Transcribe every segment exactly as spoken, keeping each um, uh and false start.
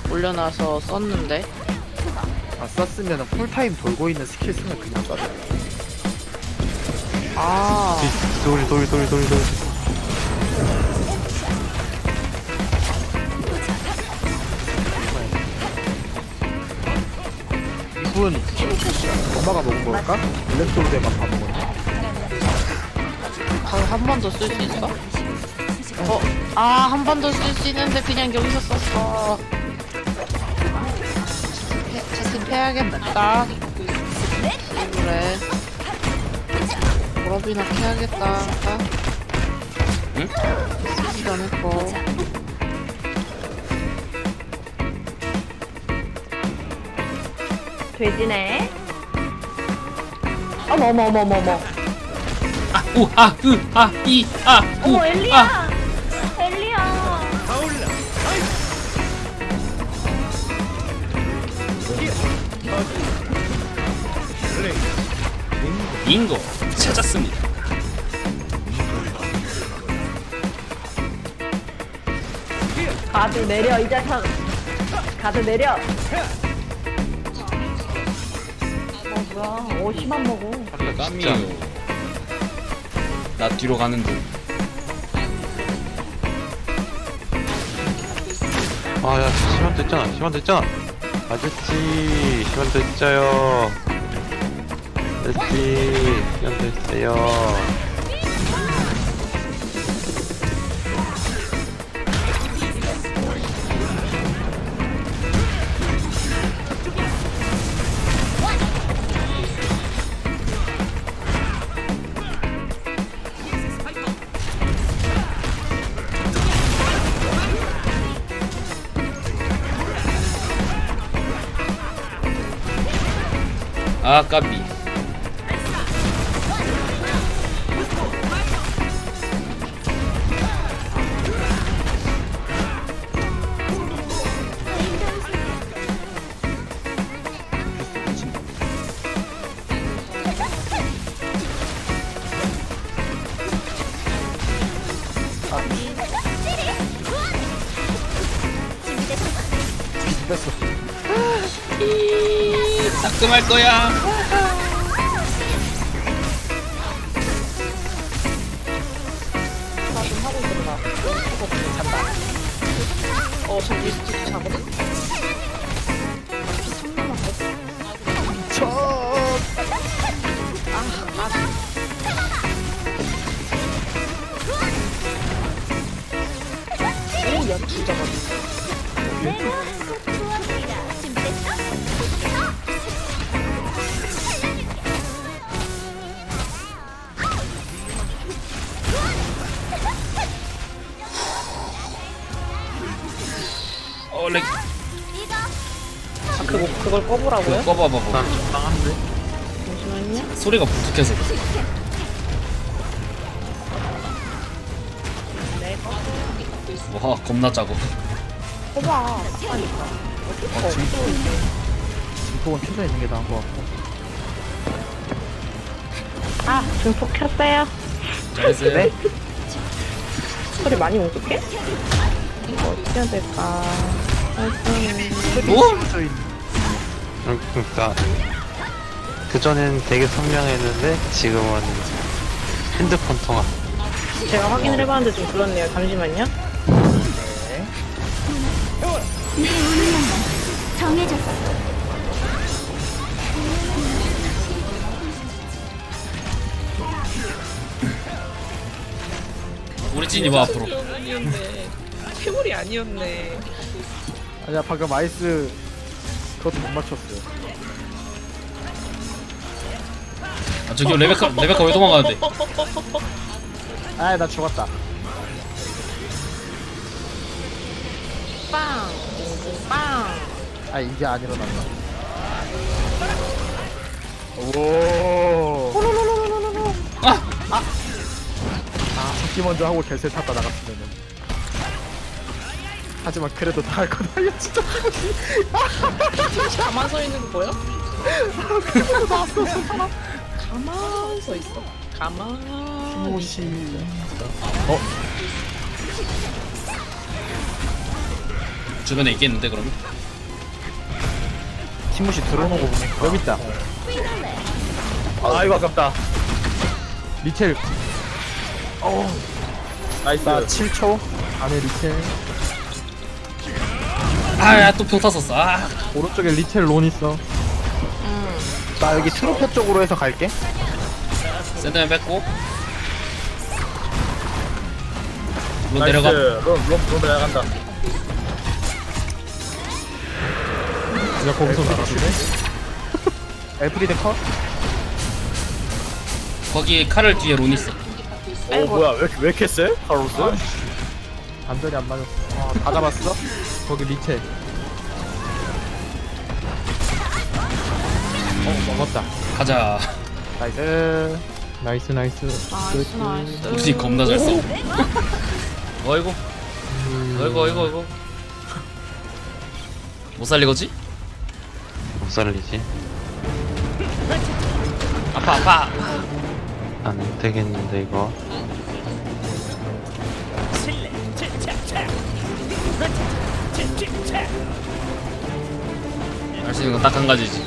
올려놔서 썼는데. 아 썼으면 풀타임 돌고 있는 스킬 쓰면 그냥 쏴. 아, 돌, 돌, 돌, 돌, 돌. 이분 엄마가 먹은 걸까? 블랙소울에만 다 먹었네. 한 번 더 쓸 수 있어? 어, 아, 한 번 더 쓸 수 있는데 그냥 여기서 썼어. 채팅 해야겠다. 그래. 졸업이나 해야겠다. 응? 쓰지도 않을 거. 돼지네. 어머 어머 어머 어머 어머. 아, 우, 아, 으, 아, 이, 아, 우, 어머 아. 엘리야. 엘리야. 빙고 찾았습니다. 가드 내려 이 자식. 가드 내려. 어 뭐야? 오 심한 먹어. 까미요. 나 뒤로 가는 중. 아, 야, 시간 됐잖아, 시간 됐잖아. 아저씨, 시간 됐어요. 아저씨, 시간 됐어요. 아, 까비. 됐어. 따끔할 거야. 나좀 하고 있었나? 이거 잔다. 어, 저 리스트 자거든? 피 삼 남았어. 저 아, 아. 오, 연투 잡았네. 어, 렉. 아, 그거, 그걸 꺼보라고요? 그거 꺼봐봐봐. 난 적당한데? 잠시만요. 소리가 부족해서 그래. 네, 꺼. 와, 겁나 작아. 꺼봐. 아니까. 어, 진폭은 켜져 있는 게 나은 것 같고. 아 증폭 켰어요. 잘했어요. 네? 소리 많이 뭉툭해? 이거 어떻게 해야 될까? 오? 켜져 있는. 응, 그니까. 그전엔 되게 선명했는데, 지금은 핸드폰 통화. 제가 확인을 해봤는데 좀 그렇네요. 잠시만요. 내 운명은 정해졌어. 우리 찐이 와 앞으로. 태물이 아니었네. 아니야 방금 아이스 그것도 못 맞췄어요. 아, 저기 레베카, 레베카 왜 도망가는데? 아 나 죽었다. 빵! 빵! 아 이게 안 일어났다. 오. 아! 아 잡기 먼저 하고 결세 탔다 나갔으면은. 하지만 그래도 다 할 거다. 야 진짜 가만 서 있는 거 보여? 그래도 나왔어 저 사람. 가만 서 있어. 가만. 오시. 어? 주변에 있겠는데, 그러면? 티모시 들어오는 거 보니까 여기 있다. 아 이거 아깝다. 리첼. 어. 나이스. 나 칠 초 안에 리첼. 아야 또 평타 썼어. 아 오른쪽에 리첼 론 있어. 나 여기 트로퍼 쪽으로 해서 갈게. 샌드맨 뺐고 로 내려가. 롬롬롬 내려간다. 야 거기서 날아주네. 엘프리데 컷. 거기 칼을 뒤에 론 있어. 오 뭐야 왜, 왜 이렇게 세? 카로스? 반전이 안 맞았어. 아, 다 잡았어? 거기 리첼. 어 먹었다. 가자. 나이스. 나이스 나이스. 나이스 나이스. 우리 겁나 잘 써. 어이구. 어이구 어이구 어이구. 못 살리거지? 못 살리지. 아파 아파. 안 되겠는데 이거. 할 수 있는 건 딱 한 가지지.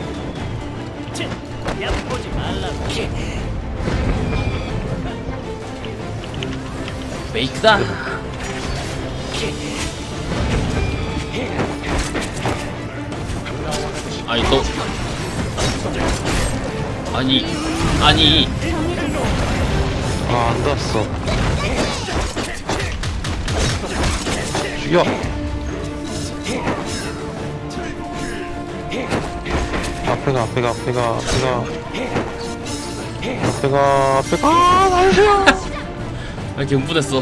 메이크다. 아니 또 아니 아니 아, 안 닿았어. 죽여! 앞에가, 앞에가, 앞에가, 앞에가. 앞에가, 앞에가. 아, 나이스야! 왜 이렇게 흥분했어?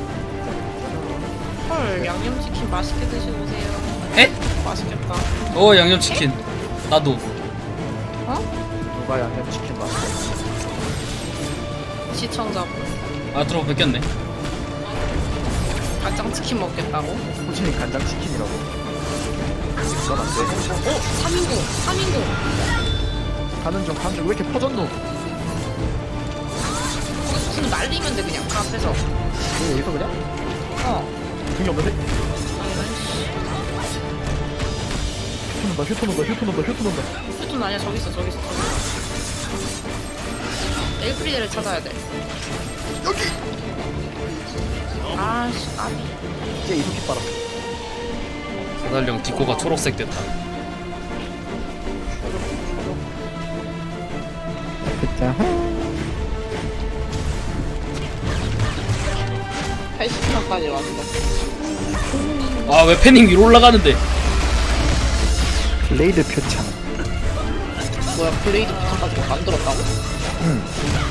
헐 양념치킨 맛있게 드셔보세요. 에? 맛있겠다. 어 양념치킨. 나도. 누가 양념치킨 맛있어? 시청자분. 아 들어 뺏겼네. 간장치킨 먹겠다고? 호진이 간장치킨이라고. 그건 안 돼. 어? 삼 인공 삼 인공. 가는 중 가는 중 왜 이렇게 퍼졌노? 무슨 날리면 돼 그냥 그 앞에서. 왜 여기서 그냥? 어. 등이 없는데? 아니 휴 논다 휴 논다 휴 논다 휴 논다. 휴톤 아니야 저기 있어 저기 있어 저기 있어. 엘프리데를 찾아야 돼. 여기. 아씨 까비. 이제 이렇게 빨아. 사달령 디코가 초록색 됐다. 됐자. 팔십 분까지 왔어. 아 왜 패닝 위로 올라가는데? 블레이드 표창. 뭐야 블레이드 부탁까지 만들었다고? 응.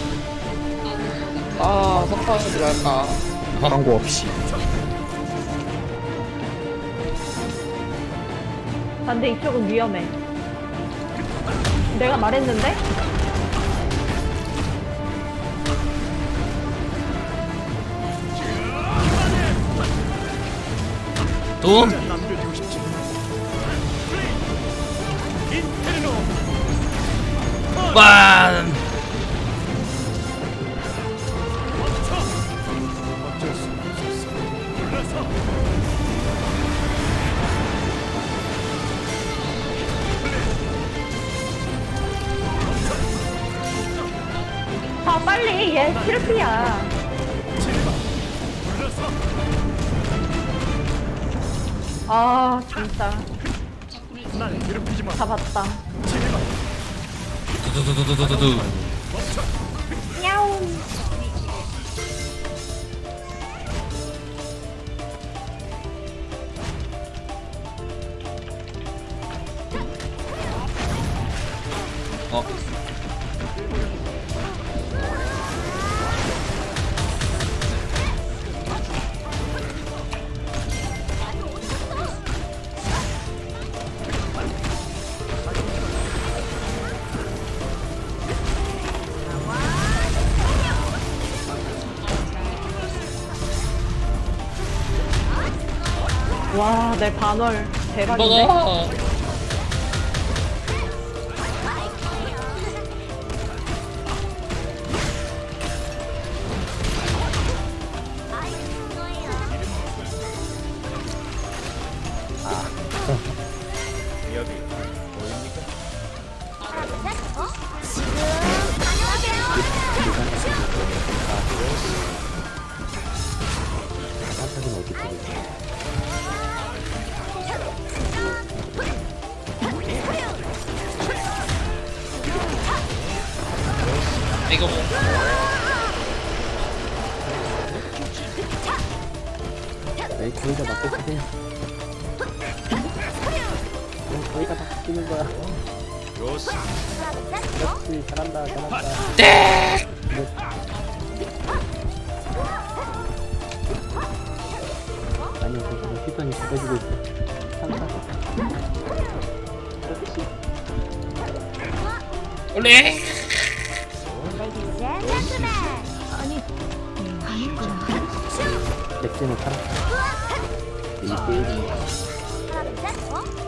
아 석방이 들어갈까. 광고 없이. 근데 이쪽은 위험해. 내가 말했는데? 돈? 빤! 아 빨리 얘 실패야. 아 진짜. 잡았다. 두두두두두두두. 야옹. 어? 와, 내 반월 대박인데? 먹어. 이거 뭐 에이 거기가 맞고 쓰세요. 거기가 다 뛰는 거야. 그렇지 잘한다 잘한다. 네. 아니 그거 피선이 잡아주고 있어. 항상. 그렇지. 원래 아니 아니구나. 넥슨은 살았어. 이 게임이 하나 둘 셋. 어?